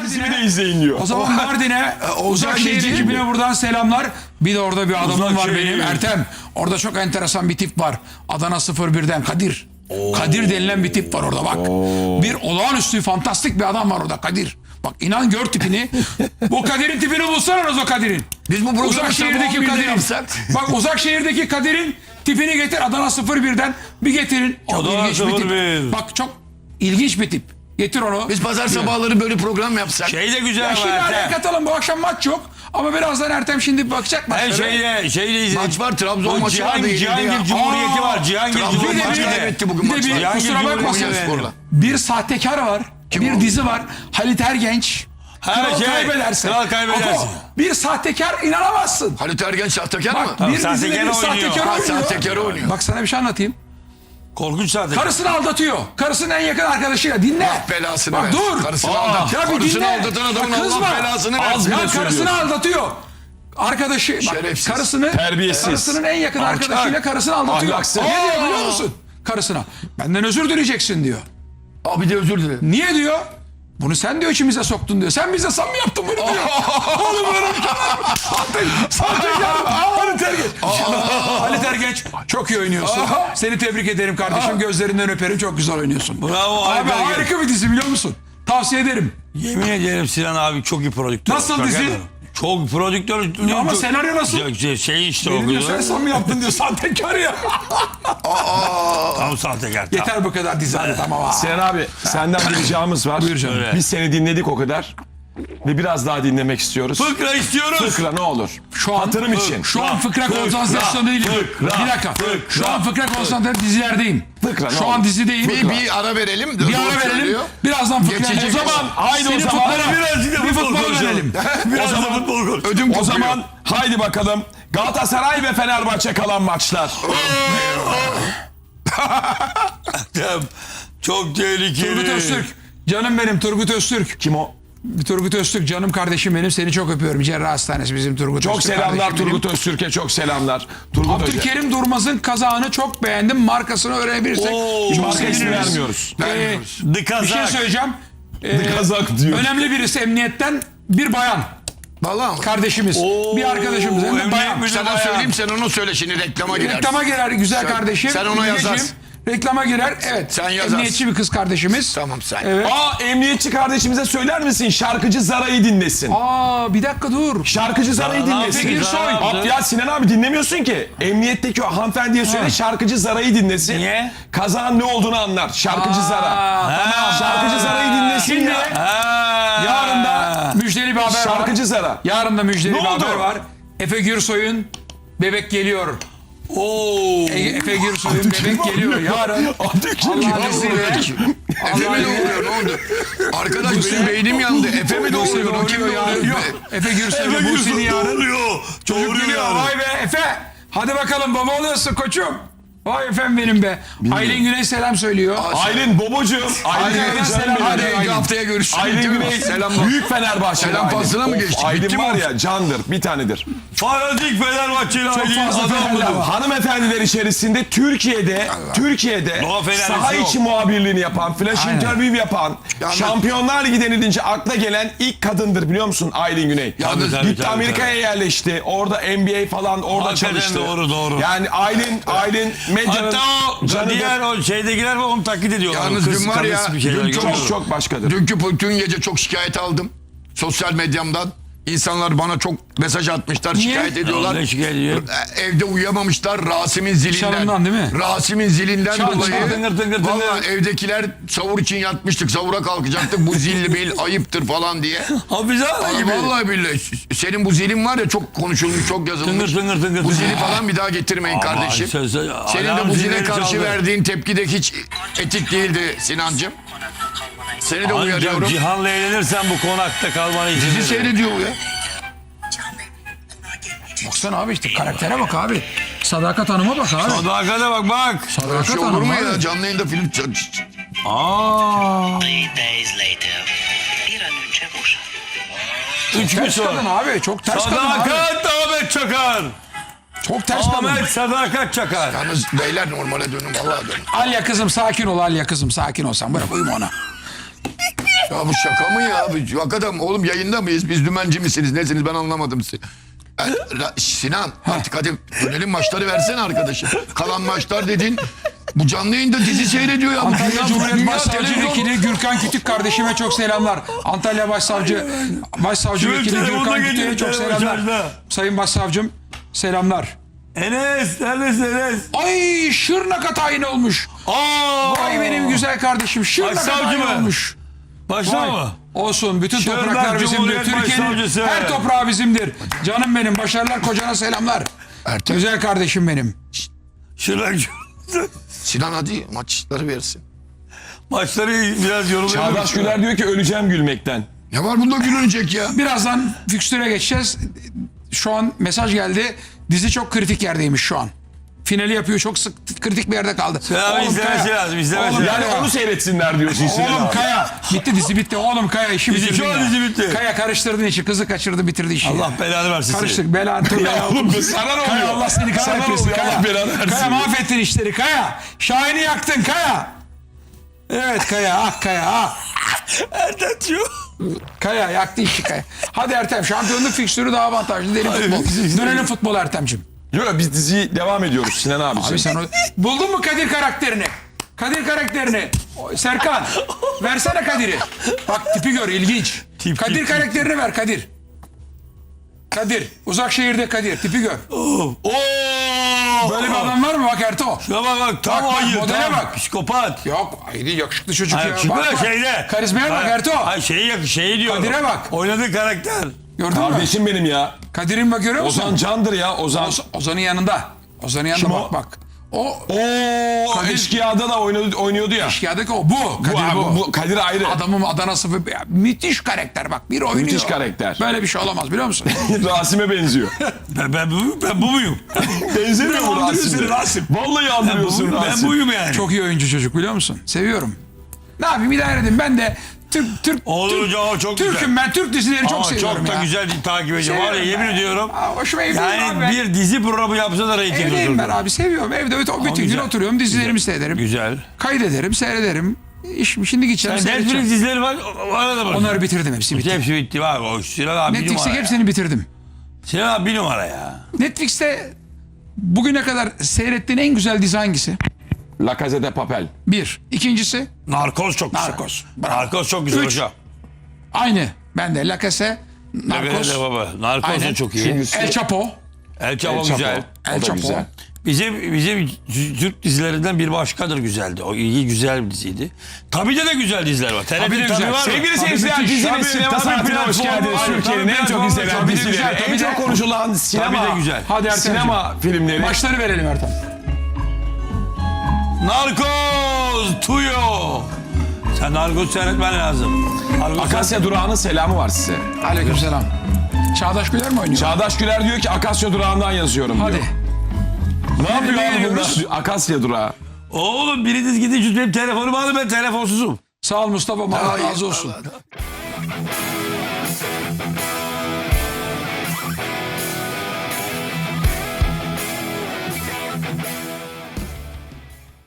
Dizimi de izleyin diyor. O zaman Mardin'e, Uzakşehir ekibine buradan selamlar. Bir de orada bir adamım var benim, Ertem. Orada çok enteresan bir tip var. Adana 01'den Kadir. Kadir denilen bir tip var orada bak. Bir olağanüstü, fantastik bir adam var orada Kadir. Bak inan gör tipini. Bu Kadir'in tipini bulsanız o Kadir'in. Biz bu programı Uzakşehir'deki Kadir'in. yapsak. Bak Uzakşehir'deki Kadir'in tipini getir Adana 01'den bir getirin. Çok Adana ilginç bir 01. tip. Bak çok ilginç bir tip. Getir onu. Biz pazar sabahları böyle program yapsak. Şey de güzel Ya ama şimdi araya Ertem. katalım, bu akşam maç yok. Ama birazdan Ertem şimdi bakacak Ben maçlara. şeyle izledim. Maç var, Trabzon O maçı vardı, yenildi Cihangir ya. Cumhuriyeti var. Cihangir Trabzon Cumhuriyeti. maçı kaybetti bugün Bir de maçlar. bir kusura bakmasın. Konyaspor'la. Bir sahtekar var. Bir o? dizi var. Halit Ergenç. Kral şey, kaybederse. Kral kaybederse. Ama bir sahtekar inanamazsın. Halit Ergen sahtekar Bak mı? bir dizide sahtekar bir oynuyor. sahtekar Ha, oynuyor. sahtekar oynuyor. Bak sana bir şey anlatayım. Korkunç zaten. Karısını aldatıyor. Karısının en yakın arkadaşıyla. Dinle. Allah belasını Bak versin. dur. Karısını aldat. Ya bir Karısını dinle. aldatan adamın Bak kızma. Allah belasını versin. Ya karısını aldatıyor. Arkadaşı, bak, Şerefsiz. Terbiyesiz. karısının en yakın arkadaşıyla karısını aldatıyor. Ahlaksız. Ne diyor biliyor musun? Karısına. Benden özür dileyeceksin diyor. Abi de özür dilerim. Niye diyor? Bunu sen diyor içimize soktun diyor. Sen bize sam mı yaptın bunu diyor. Oğlum böyle sahtekar. Halit Ergenç. Halit Ergenç çok iyi oynuyorsun. Seni tebrik ederim kardeşim. Gözlerinden öperim. Çok güzel oynuyorsun. Bravo Abi Halit Ergenç. harika bir dizi biliyor musun? Tavsiye ederim. Yemin ederim Sinan abi çok iyi prodüktör. Nasıl Şaka dizi? yapıyorum. Çok prodüktör. Ama senaryo nasıl? Şey işte o. Benim diyor sen sam mı yaptın diyor. Sahtekar ya. Tam sahtekar. Tam. Yeter bu kadar dizi hadi tamam ha. Sinan abi senden bir ricamız var. Buyur canım. Biz seni dinledik o kadar. Ve biraz daha dinlemek istiyoruz. Fıkra istiyoruz. Fıkra ne olur. Şu an, Hatırım için. Şu an fıkra konsantrasyonu değilim. Bir dakika. Şu an fıkra konsantrasyonu dizilerdeyim. Fıkra, ne Şu olur. an dizideyim. Bir ara verelim. Bir ara verelim. Birazdan fıkra. Geçecek. O zaman Haydi o senin zaman. futbola Birazcık da bir futbol futbol konuşalım. verelim. Biraz da futbol konuş. Ödüm O kopuyor. zaman haydi bakalım. Galatasaray ve Fenerbahçe kalan maçlar. Çok tehlikeli. Turgut Öztürk. Canım benim Turgut Öztürk. Kim o? Turgut Öztürk canım kardeşim benim. Seni çok öpüyorum. Cerrah Hastanesi bizim Turgut Çok Öztürk selamlar kardeşim benim. Turgut Öztürk'e, çok selamlar. Turgut Hoca. Abdülkerim Durmaz'ın kazağını çok beğendim. Markasını öğrenebilirsek çok Marka ismi seviniriz. vermiyoruz. The Bir şey Kazak. söyleyeceğim. Kazak diyor. Önemli birisi emniyetten bir bayan. Vallahi mı? Kardeşimiz. Bir arkadaşımız. Hem de emniyet bayan. müdürü. Sana söyleyeyim, sen onu söyle, şimdi reklama girer. Reklama girer güzel Sen- kardeşim. sen ona Güneşim. yazarsın. Reklama girer. Evet. Sen yazarsın. Emniyetçi bir kız kardeşimiz. Tamam sen. Evet. Emniyetçi kardeşimize söyler misin? Şarkıcı Zara'yı dinlesin. Bir dakika dur. Şarkıcı Zara'yı dinlesin. Peki, Gürsoy. Ya Sinan abi dinlemiyorsun ki. Emniyetteki o hanımefendiye söyle, şarkıcı Zara'yı dinlesin. Niye? Kazağın ne olduğunu anlar. Şarkıcı Zara. Tamam. Şarkıcı Zara'yı dinlesin Şimdi ya. yarın da müjdeli bir haber var. Şarkıcı Zara. Yarın da müjdeli Ne bir oldu? haber var. Efe Gürsoy'un Bebek Geliyor. Oo. Efe Gürsoy'un Bebek Geliyor yarın. Allah'ın izniyle. Efe mi doğuruyor, ne oldu? Arkadaş benim beynim yandı. Efe mi doğuruyor? O kim doğuruyor? Yok. Efe Gürsoy ve Buse'nin yarın. Çocuk Doğuruyor geliyor. yarın. Vay be Efe. Hadi bakalım baba oluyorsun koçum. Vay efendim benim be. Aylin Güney selam söylüyor. Aylin Bobocuğum. Aylin Aylin, Güney selam. canım benim. Hadi Aylin. haftaya görüşürüz. Aylin Güney Selamlar. büyük Fenerbahçeli. Selam Aylin. faslına mı Of, geçtik? Aylin Bitti mi var o? ya candır, bir tanedir. Fanatik Fenerbahçeli Aylin fazla adam Fenerli budur. var. Hanımefendiler içerisinde Türkiye'de Doğa Fenerlisi saha yok. içi muhabirliğini yapan, flash Aynen. interview yapan, Yalnız- Şampiyonlar Ligi denilince akla gelen ilk kadındır biliyor musun Aylin Güney? Yalnız- Tabii, Gitti tabii, Amerika'ya yerleşti. Orada NBA falan orada Hakikaten çalıştı. doğru. Yani Aylin medyanın Hatta o canıdır. diğer o şeydekiler var onu taklit ediyorlar. Yalnız dün var ya, karısı bir şeyler dün görüyorum. çok başkadır. Dün gece çok şikayet aldım. Sosyal medyamdan. İnsanlar bana çok mesaj atmışlar, şikayet ediyorlar. Ne şikayet ediyor? Evde uyuyamamışlar Rasim'in zilinden. Çalından değil mi? Rasim'in zilinden Çal, dolayı. çal, tıngır, tıngır, tıngır. Vallahi evdekiler sahur için yatmıştık. Sahura kalkacaktık. Bu zil bil ayıptır falan diye. Hafize Hanım gibi. Vallahi billahi. Senin bu zilin var ya, çok konuşulmuş, çok yazılmış. Tıngır. Bu zili falan bir daha getirmeyin kardeşim. Senin de bu zile karşı verdiğin tepki de hiç etik değildi Sinancığım. Seni de uyarıyorum. Ancak Cihan'la eğlenirsen bu konakta kalmanı için. Bizi seyrediyor bu ya. Baksana abi işte karaktere bak abi. Sadakat Hanım'a bak abi. Sadakate bak. Sadakat Şey olur Hanım mu abi. ya? Canlı yayında film... Aa. 3 days later. Bir an önce boşan. 3 gün Ters kadın sonra. abi. Çok ters kadın abi. Sadakat Ahmet Çakar. Çok ters kadın. Ahmet Sadakat Çakar. Yalnız beyler normale dönün. Vallahi dönün. Alya kızım sakin ol Alya kızım sakin ol sen. Bırak uyuma ona. Ya bu şaka mı ya? Hakikaten oğlum yayında mıyız? Biz dümenci misiniz? Nesiniz? Ben anlamadım sizi. Sinan artık hadi dönelim maçları versene arkadaşım. Kalan maçlar dedin. Bu canlı yayında dizi seyrediyor ya. Antalya Cumhuriyet Dünya Başsavcı televizyon- Vekili Gürkan Kütük kardeşime çok selamlar. Antalya Başsavcı Vekili telefonda Gürkan geliyor, Kütük'e çok telefon selamlar. şarjda. Sayın Başsavcım selamlar. Enes neredesin Enes? Ay Şırnak'a tayin olmuş. Vay benim güzel kardeşim Şırnak'a Başsavcı tayin mı? olmuş. Başla Vay. mı? Olsun bütün Şırnak topraklar bizimdir. Cumhuriyet Türkiye'nin Başsavcısı. her toprağı bizimdir. Canım benim başarılar kocana selamlar. Ertem. Güzel kardeşim benim. Şırnak Sinan hadi maçları versin. maçları biraz yoruluyor. Çağdaş Güler diyor ki öleceğim gülmekten. Ne var bunda gülünecek ya? Birazdan fikstüre geçeceğiz. Şu an mesaj geldi. Dizi çok kritik yerdeymiş şu an. Finali yapıyor çok kritik bir yerde kaldı. Abi izlemesi Kaya. lazım, izlemesi Oğlum, lazım. Yani onu seyretsinler diyorsun Sinan Oğlum abi. Kaya. Bitti dizi bitti. Oğlum Kaya işi Dizi, bitirdin şu an ya. dizi bitti. Kaya karıştırdın işi. Kızı kaçırdı bitirdi işi. Allah belanı versin seni. Karıştık. Belanı tövbe ya. Oğlum sana ne Kaya oluyor? Allah seni Sana ne kahretmesin. oluyor? Kaya. Allah belanı versin. Kaya mahvettin işleri. Kaya. Şahin'i yaktın Kaya. Evet Kaya. Ah Kaya. Ah. Ertetçiyor. Kaya yaktı işi Kaya. Hadi Ertem şampiyonluk fikstürü daha avantajlı. Derin futbol. Dönelim futbol Ertem'cim. Yok biz diziyi devam ediyoruz Sinan abi. Abi sen buldun mu Kadir karakterini? Kadir karakterini. Serkan versene Kadir'i. Bak tipi gör ilginç. Kadir karakterini ver Kadir. Kadir. Uzak şehirde Kadir. Tipi gör. Oo. Böyle bir adam var mı? Bak Erto. Şuna bak tam Bak, ayı. modele tam bak. Psikopat. Yok. Haydi yakışıklı çocuk ya. Şimdi Bak, bak. şeyde. Karizmaya bak Erto. Ay şeyi diyorum. Kadir'e bak. Oynadığı karakter. Gördün mü? Kardeşim benim ya. Kadir'in bak görüyor musun? Ozan Can'dır ya Ozan. Ozan'ın yanında. Ozan'ın yanında Kim bak o? bak. O Oo Kadir- Eşkıya'da da oynuyordu ya. eşkıyadaki o. Bu. Kadir abi, bu. bu Kadir ayrı. Adamın Adana sıfır. Ya, müthiş karakter bak. Bir oynuyor. Müthiş karakter. Böyle bir şey olamaz biliyor musun? Rasim'e benziyor. Ben bu muyum? Benzemiyor mu andırıyor seni Rasim'e? Rasim. Vallahi andırıyorsun Ben Rasim. buyum yani. Çok iyi oyuncu çocuk biliyor musun? Seviyorum. Ne yapayım idare edin. Ben de Türk Olur hocam o çok güzel. Türk'üm ben. Türk dizileri çok Ama seviyorum çok da ya. güzel takip ediyorum. Var ya Seviyorum yemin ben. ediyorum. Aa, hoşuma evdeyim abi. Yani ben. bir dizi programı yapsa da reyting Evdeyim ben oturdu. abi seviyorum. Evde bütün gün güzel. oturuyorum dizilerimi seyrederim. Güzel. Kaydederim seyrederim. Şimdi gideceğim Sen Netflix seyredeceğim. dizileri var. Arada bak. Onları bitirdim hepsi bitti. Hepsi bitti bak. O Sinan abi bir Netflix'te numara. hepsini bitirdim. Sinan abi bir numara ya. Netflix'te bugüne kadar seyrettiğin en güzel dizi hangisi? La Casa de Papel. Bir. İkincisi Narkoz çok güzel. Narkoz. Bravo. Narkoz çok güzel Üç. hocam. aynı. Ben de La Casa, Narcos, Evet baba. Narkoz Aynen. da çok iyi. El Chapo. El Chapo El Chapo. güzel. El O da Chapo. güzel. Bizim Türk dizilerinden bir başkadır güzeldi. O iyi güzel bir diziydi. Tabii de güzel diziler var. Tabii de TRT güzel. var mı? Sevgili Tabii seyirciler müthiş. dizinin Tabii, sinema tabii, saatine hoş platform geldiniz. var. Türkiye'nin Tabii, en çok platform izlenen var. Tabii de dizileri, güzel, tabii en de. çok konuşulan sinema, Tabii de güzel. Hadi Ertem'ciğim. sinema filmleri. Maçları verelim Ertem. Narkoz, Tuyo. Sen Narkoz seyretmen lazım. Narkoz Akasya Durağı'nın selamı var size. Aleykümselam. Çağdaş Güler mi oynuyor? Çağdaş Güler diyor ki Akasya Durağı'ndan yazıyorum diyor. Hadi. Ne yapıyor abi beğeniyoruz? bunlar? Akasya Durağı. Oğlum biriniz gidin benim telefonumu alın, ben telefonsuzum. Sağ ol Mustafa. Allah razı olsun.